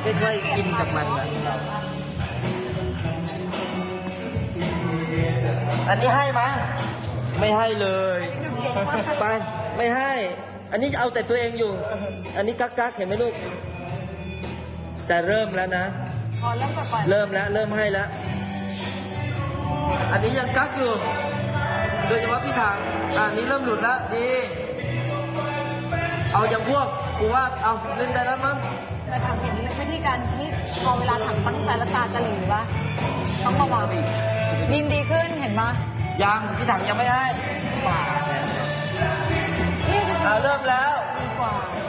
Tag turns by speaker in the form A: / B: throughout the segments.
A: ค่อยๆกินกับมันนะอันนี้ให้มั้ยไม่ให้เลยไปไม่ให้อันนี้เอาแต่ตัวเองอยู่อันนี้กักเห็นไหมลูกแต่เริ่มแล้วนะเริ่มแล้วเริ่มให้แล้วอันนี้ยังกักอยู่โดยเฉพาะพี่ถังอันนี้เริ่มหลุดแล้วดีเอาอย่างพวกกูว่าเอาเล่นได้แล้วมั้ง
B: แต่ถังเห็นวิธีการที่พอเวลาถังตั้งใจแล้วตาจะหลีปะต้องระวังบีมดีขึ้นเห็นปะ
A: ยังพี่ถังยังไม่ให้ป่า
B: นี่
A: เริ่มแล้ว
B: ดีกว่า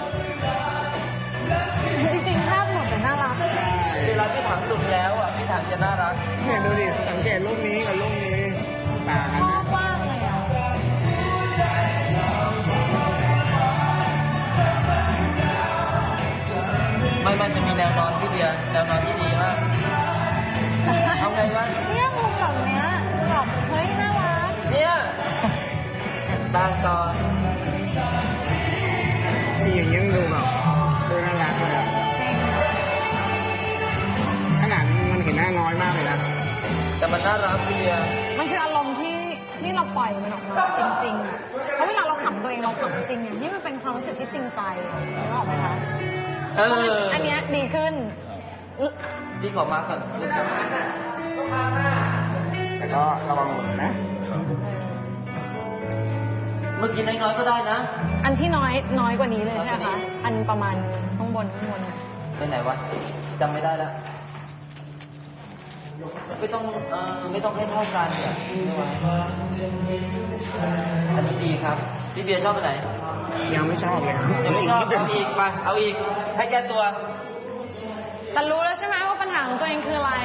B: จริงๆภาพหลุดแต่น่ารัก
A: เวลาพี่ถังหลุดแล้วอ่ะพี่ถังจะน่ารัก
C: เนี่ยดูดิสังเกตรูปนี้กับรูปนี้ต่างกัน
B: ชอบมากเลยอ่ะ
A: ไม่มันมีแนวนอนที่เบียร์แนวนอนที่ดีมากเอาไงวะ
B: เนี่ยมุมแบบเนี้ยแบบเฮ้ยน่ารัก
A: เนี่ยบางตอน
C: นี่อย่างนี้ดูแบบดูน่ารักเลยขนาดมันเห็นหน้าน้อยมากเลยนะ
A: แต่มันน่ารักเบียร์
B: มันคืออารมณ์ที่เราปล่อยมันออกมาจริงๆอ่ะเพราะเวลาเราขำตัวเองเราขำจริงอย่างนี่มันเป็นความรู้สึกที่จริงใจนึกออกไหมคะอันนี้ดีขึ้น
A: ดีกว่ามาก่อน
C: แต่ก็ระวังหมดนะ
A: เมื่อกี้น้อยๆก็ได้นะ
B: อันที่น้อยกว่านี้เลยใช่ไหมคะอันประมาณข้างบน
A: ไปไหนวะจำไม่ได้แล้วไม่ต้องให้เท่ากันเนี่ยอันนี้ดีครับพี่เบียร์ชอบไหน
C: ยังไม่ชอบเลย
A: ยังไม่ชอบเอาอีกไปเอาอีกให้แก้ตัว
B: แต่รู้แล้วใช่ไหมว่าปัญหาของตัวเองคืออะไร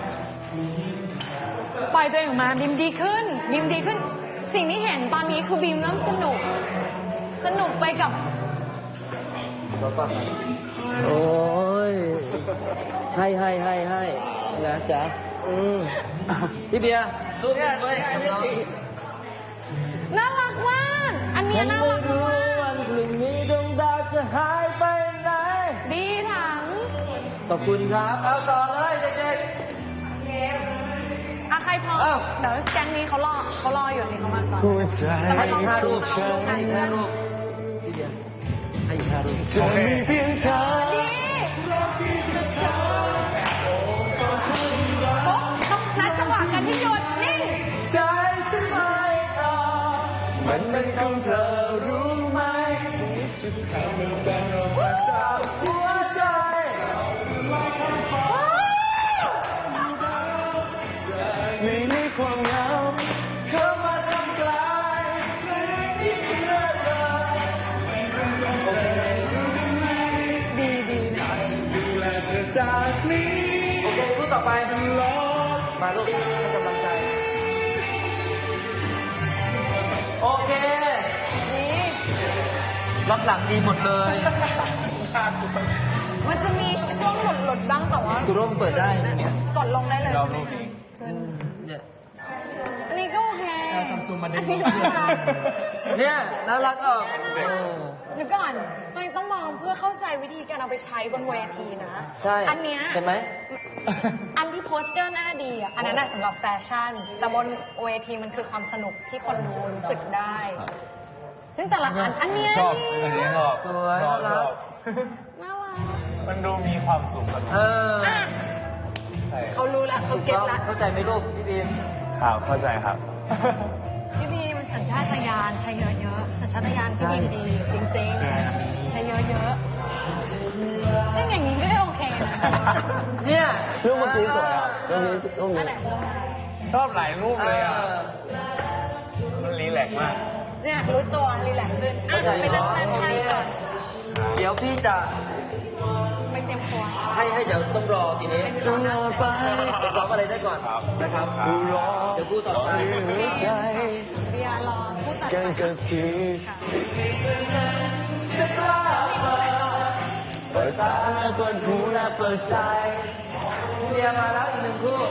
B: ปล่อยตัวเองออกมาบีมดีขึ้นสิ่งที่เห็นตอนนี้คือบีมเริ่มสนุกไปกับ
A: โอ้ยให้นะจ๊ะพี่เบียร์รูปนี้ด้วย
B: น่ารักมากอันนี้น่ารักมาก
A: วันพรุ่งนี้ดวงดาวจะหายไปไหน
B: ดีถัง
A: ขอบคุณครับเอาต่อเลยเด็ก
B: ใครพอเดี๋ยวแก๊งนี้เขารออยู่นี่เขามาก่อน
A: แต่ไม่ต้อง5 รูปให้5 รูปพี่เบียร์ให้5 รูปจะมีเพียงเธอ
B: นัดจังหวะกันที่หยุดนิ่ง
A: ใจฉันไม่ต่อมันเป็นของเธอรู้ไหมจะทำให้แบ่งออกมาจากหัวใจไม่มีความเหงาเข้ามาทำกลายที่เลิกเลย
B: ดี
A: ดูแลเธอจากนี้โอเครูปต่อไปมาลูกให้กำลังใจโอเครับหลังดีหมดเลย
B: มันจะมีช่วงหลุดบ้างแต่ว่า
A: ดูร่มเปิดได้เนี่ย
B: กดลงได้เลย
A: เนี่ย
B: อันนี้ก็โอเค
A: เนี่ยน่ารักออก
B: เดี๋ยวก่อนต้องมองเพื่อเข้าใจวิธีการเอาไปใช้บนเวทีนะ
A: ใช่
B: อันเนี้ย
A: เห็นไหม
B: อันที่โพสเจอร์หน้าดีอ่ะอันนั้นสำหรับแฟชั่นแต่บนเวทีมันคือความสนุกที่คนดูรู้สึกได้ซึ่งแต่ละอันเนี้ย
C: ชอบอันนี้ชอบ
A: สวยน่ารัก
C: มันดูมีความสุข
B: เขารู้แล้วเขาเก็ตแล้ว
A: เข้าใจไหมลูกพี่บีม
C: ครับเข้าใจครับ
B: พี่บีมสัญชาตญาณใช้เยอะๆสัญชาตญาณพี่บีมดีจริงๆใช้เยอะๆซึ่งอย่างนี้ไม่ได้โอเคนะ
A: เนี่ย
C: รูปเมื่อกี้สวยอ่ะรูปนี้ชอบหลายรูปเลยอ่ะมันรีแลกซ์มาก
B: เนี่ยรู้ตัวรีแลกซ์ขึ้นไปนั่งให้ก่อน
A: เดี๋ยวพี่จะ
B: ไปเตรียมตัว
A: ให้เดี๋ยวต้องรอทีนี้ต้องรอไปร้องอะไรได้ก่อนนะครับเดี๋ยวพูดต่อไป
B: เบียร์รอพูดต่อไป
A: จะกล้าเปิดตาเปิดหูและเปิดใจเบียร์มาแล้วอีก1 คู่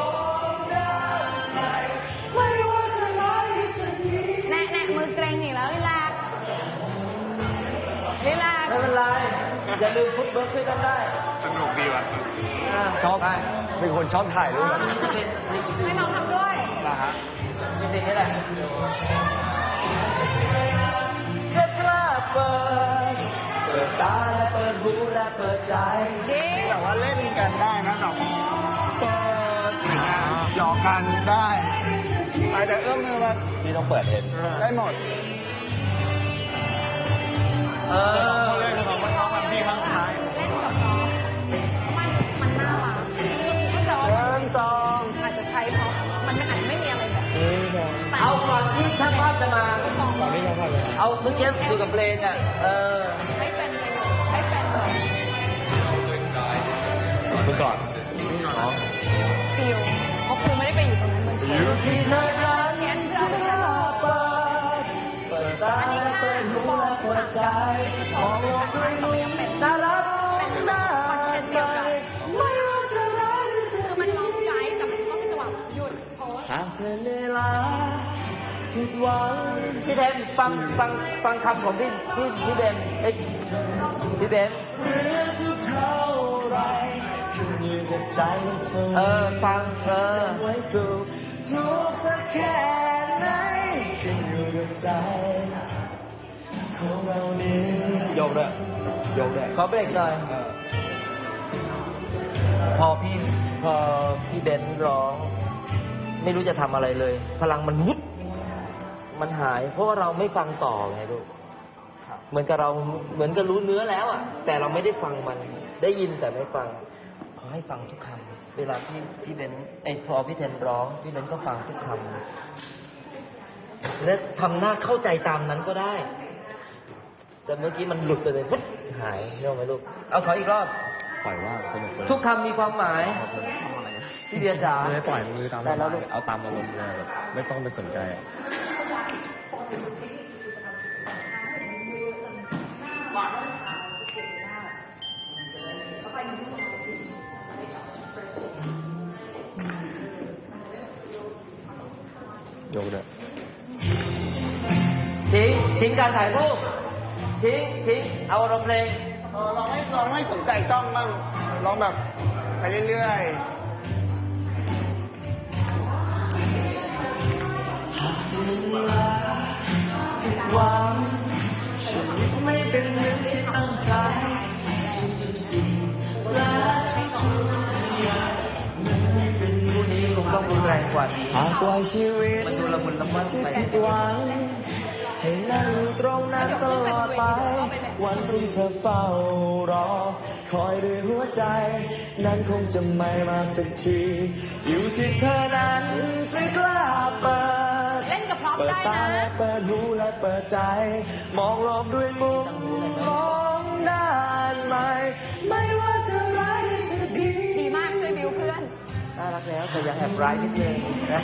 B: แน่มือเกรงหนีแล้วลีลา
A: ไม่เป็นไรอย่าลืมพุทเบิร์กช่วยกันได้
C: สนุกดีว่ะ
A: ชอบ
C: เป็นคนชอบถ่ายรูปแบบนี้
B: ให้น้องทำด้วย
C: นะฮะ
A: เป็นเพลงนี้แหละจะกล้าเปิดตาและเปิดหูและเปิดใจ
B: ดี
C: แต่ว่าเล่นกันได้นะแบบเปิดหยอกกันได้แต่เอื้อมมือมา
A: พี่ต้องเปิดเอง
C: ได้หมด เขาเล่นของมันน้องมันพี่ข้างท้าย
B: เล่นกับน้องมันน่ารักคือถ้าจะว่า
C: เริ่มตอง
B: อาจจะใช้เพราะมันอาจจะไม่มีอะไรแบบนี้แต่
A: เอาก่อนที่ช่างภาพจะมา
C: ตอนนี้ยังพอเลย
A: เอาเมื่อกี้อยู่กับเพลงอ่ะ
B: ให้เป็นให้เป็นเลย
C: มึงก่อน
B: ฟิลเพราะครูไม่ได้ไปอยู่ตรงนั้นเหมือนเชื่อ
A: ที่เธอรัก
B: เรียนเชื่อไม่ได้หรอก
A: เปิดตาและเปิดหูและเปิดใจมองโลกด้วยมุมน่ารักน่าใจไม่ว่าจะรัก
B: คือมันร้องใจแต่มันต้องจังหวะหยุดโพส
A: หากเธอเหนื่อยล้าผิดหวังพี่เบนฟังคำของพี่เบนเอ้ยพี่เบนเท่าไรขึ้นอยู่กับใจฟังไว้สุขทุกข์สักแค่ไหนขึ้นอยู่กับใจของเรานี้ยกเลยขอเบรกหน่อยพอพี่เบนร้อง ไม่รู้จะทำอะไรเลย พลังมันวุบมันหาย เพราะว่าเราไม่ฟังต่อไงลูกเหมือนกับรู้เนื้อแล้วอ่ะ แต่เราไม่ได้ฟังมันได้ยินแต่ไม่ฟังขอให้ฟังทุกคำเวลาพี่เบนพอพี่เทนร้องพี่เบนก็ฟังทุกคำและทำหน้าเข้าใจตามนั้นก็ได้ แต่เมื่อกี้มันหลุดไปเลยพุ๊บหายเรื่องไหมลูกเอาขออีกรอบ
C: ปล่อยว่าสนุกเลย
A: ทุกคำมีความหมายพี่เบียร์จ๋า
C: ไม่ปล่อยมือตาม
A: แต่เรา
C: เอาตามอารมณ์เลยแบบไม่ต้องไปสนใจอะยกเลย
A: ทิ้งการถ่ายรูปทิ้งเอาอารมณ์เพลง
C: ลองไม่สนใจกล้องบ้างลองแบบไปเรื่อยๆ
A: หวังชีวิตไม่เป็นเรื่องที่ตั้งใจและเป็นผู้นี้คงต้องรุนแรงกว่านี้
C: หากปล่อยชีวิต
A: มันดูละมุนละม่อมไป
C: ผิดหวังให้นั่งอยู่ตรงนั้นตลอดไป วันที่เธอเฝ้ารอ คอยด้วยหัวใจ นั้นคงจะไม่มาสักที อยู่ที่เธอนั้นจะกล้าเปิด
B: เล่นกับพร็อพ
C: เปิด
B: ได้
C: ตา
B: นะ
C: และเปิดหูและเปิดใจ มองโลกด้วยมุมมองด้านใหม่ ไม่ว่าจะร้ายหรือจะดี
B: ดีมากช่วยบิวเพื่อน
A: น่ารักแล้วแต่ยังแอบร้ายนิดนึงนะ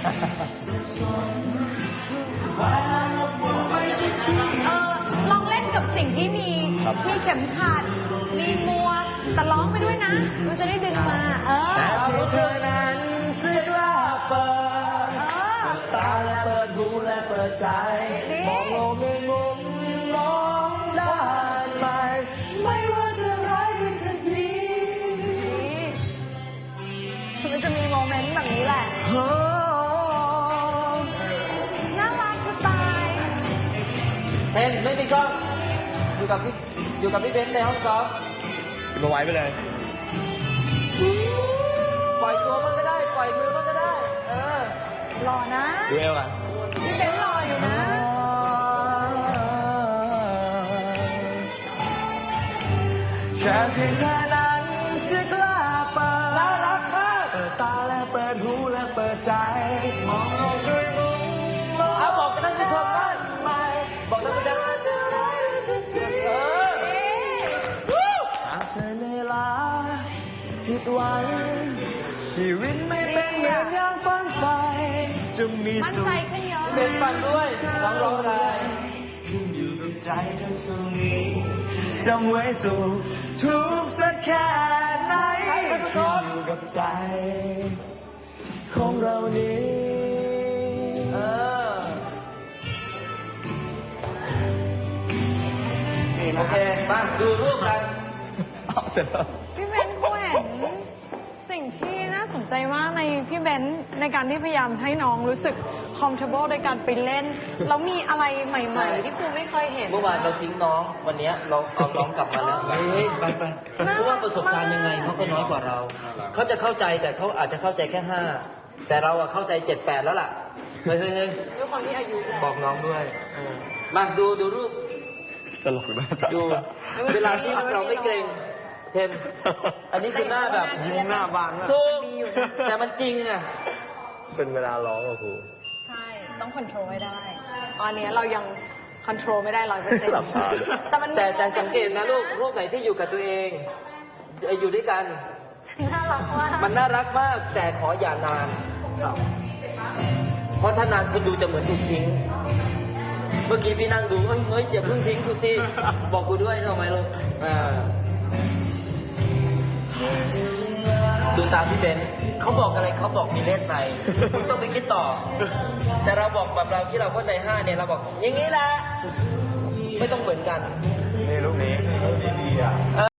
B: ลองเล่นกับสิ่งที่มีเข็มขัด มีมัวกแต่ร้องไปด้วยนะมันจะได้ดึงมา
C: แต่ที่เธอนั้นจะกล้าเปิด เปิดตาและเปิดหูและเปิดใจ มองโลกในมุมมองด้านใหม่ ไม่ว่าจะร้ายหรือจะดี
B: มันจะมีโมเมนต์แบบนี้แหละ
C: โอ้
B: น่ารักจะตาย
A: เทนไม่มีกล้องอยู่กับพี่เบนซ์ในห้องซ้อม
C: กินมาไว้ไปเลย
A: ปล่อยตัวมันก็ได้ ปล่อยมือมันก็ได้
B: หล่อนะ
C: ดูเอวอ่ะ
B: พี่เป็นหล่ออยู่นะ
C: แค่เพียงเธอนั้นจะกล้าเปิดน่ารักมากเปิดตาและเปิดหูและเปิดใจ มองโลกด้วยมุมมอง
A: เอาบอกกันท่านผู้ชมบ้าน
C: ใหม่
A: บอกท่านผู้ชม
C: ว่าจะร้ายหรือจะดี หากเธอเหนื่อยล้าผิดหวังชีวิตไม่เป็นเหมือนอย่างฝันใฝ่จะมี
B: มั่น
C: สุ
B: ใจ
C: ข
B: ขึ้นเยอะ
A: เบนฟังด้วยร้องได้
C: ขึ้นอยู่กับใจทั้งช่วงนี้จำไว้สู่ทุกสักแค่ไหนขึ้นอยู่กับใจของเรานี้
A: โอเค มาดูรูปกัน
C: เอาเสร็จแล้ว
B: พี่เป็นโคตรสิ่งที่น่าสนใจมากในพี่เบนซ์ในการที่พยายามให้น้องรู้สึก comfortable ในการไปเล่นแล้วมีอะไรใหม่ ๆ ที่ครูไม่เคยเห็น
A: เมื่อวานเราทิ้งน้องวันเนี้ยเราเอาน้องกลับมาแล้วเฮ้ยไปเพราะว่าประสบการณ์ยังไงเขาก็น้อยกว่าเราเขาจะเข้าใจแต่เขาอาจจะเข้าใจแค่5แต่เราอะเข้าใจ7-8แล้วล่ะเฮ้ย
B: ด้วยความที่อายุ
A: บอกน้องด้วยมาดูรูป
C: ตลกนะ
A: ดูเวลาที่เราไม่เกรงเทนอันนี้คือหน้าแบบ
C: ยิ้มหน้าบานมาก
A: ถูกแต่มันจริงอะ
C: เป็นเวลาร้องอะครู
B: ใช่ต้อง control ให้ได้ ตอนนี้เรายัง control ไม่ได้100%
C: หลับตาเลย
A: แต่สังเกตนะลูกไหนที่อยู่กับตัวเองอยู่ด้วยกัน
B: น่ารักมาก
A: มันน่ารักมากแต่ขออย่านาน เพราะถ้านานคุณดูจะเหมือนถูกทิ้ง เมื่อกี้พี่นั่งดูเฮ้ยอย่าเพิ่งทิ้งกูสิบอกกูด้วยทำไมลูกดูตามพี่เบนเขาบอกอะไรเขาบอกมีเลขในคุณต้องไปคิดต่อ แต่เราบอกแบบเราที่เราเข้าใจ5เนี่ยเราบอกอย่างนี้แหละไม่ต้องเหมือนกัน
C: นี่ลูกนี้ดีอ่ะ